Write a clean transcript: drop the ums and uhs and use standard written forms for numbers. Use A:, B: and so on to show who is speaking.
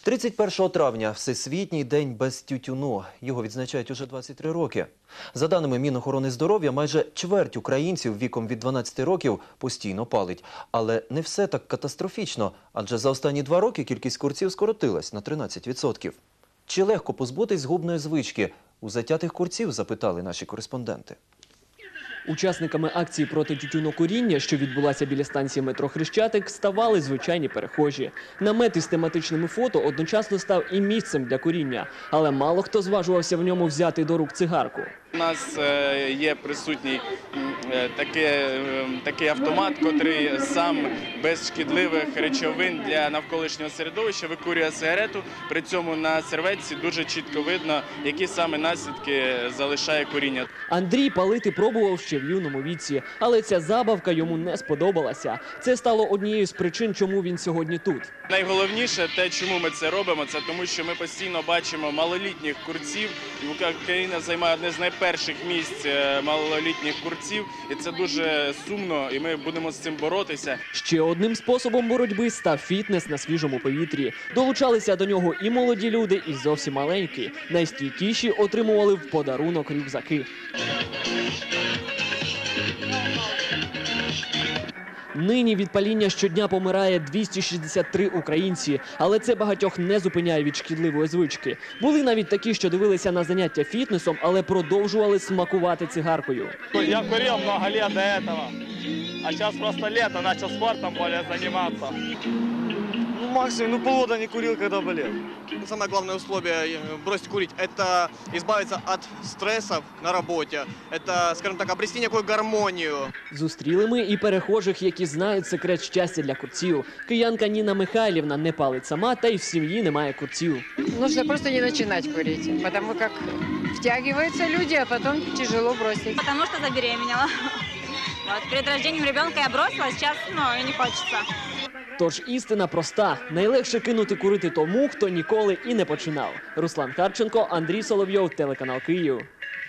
A: 31 травня – Всесвітній день без тютюну. Його відзначають уже 23 роки. За даними Мінохорони здоров'я, майже чверть українців віком від 12 років постійно палить. Але не все так катастрофічно, адже за останні 2 роки кількість курців скоротилась на 13%. Чи легко позбутись згубної звички? У затятих курців запитали наші кореспонденти.
B: Учасниками акції проти тютюнокуріння, що відбулася біля станції метро Хрещатик, ставали звичайні перехожі. Намет із тематичними фото одночасно став і місцем для куріння, але мало хто зважувався в ньому взяти до рук цигарку.
C: У нас є присутній такий автомат, який сам без шкідливих речовин для навколишнього середовища викурює сигарету. При цьому на серветці дуже чітко видно, які саме наслідки залишає куріння.
B: Андрій палити пробував ще в юному віці, але ця забавка йому не сподобалася. Це стало однією з причин, чому він сьогодні тут.
C: Найголовніше те, чому ми це робимо, це тому, що ми постійно бачимо малолітніх курців. Україна займає одне з найперших місць малолітніх курців, і це дуже сумно, і ми будемо з цим боротися.
B: Ще одним способом боротьби став фітнес на свіжому повітрі. Долучалися до нього і молоді люди, і зовсім маленькі. Найстійкіші отримували в подарунок рюкзаки. Нині від паління щодня помирає 263 українці, але це багатьох не зупиняє від шкідливої звички. Були навіть такі, що дивилися на заняття фітнесом, але продовжували смакувати цигаркою.
D: Я курил много лет до этого, а сейчас просто лето, начал спортом более заниматься.
E: Максимум, полгода не курил, когда болел. Самое главное условие бросить курить – это избавиться от стрессов на работе. Это, скажем так, обрести некую гармонию.
B: Зустріли ми і перехожих, які знають секрет щастя для курців. Киянка Ніна Михайлівна не палить сама, та й в сім'ї немає курців.
F: Нужно просто не начинать курить, потому как втягиваются люди, а потом тяжело бросить.
G: Потому что забеременела. Вот, перед рождением ребенка я бросила, сейчас, и не хочется.
B: Тож істина проста. Найлегше кинути курити тому, хто ніколи і не починав. Руслан Харченко, Андрій Соловйов, телеканал Київ.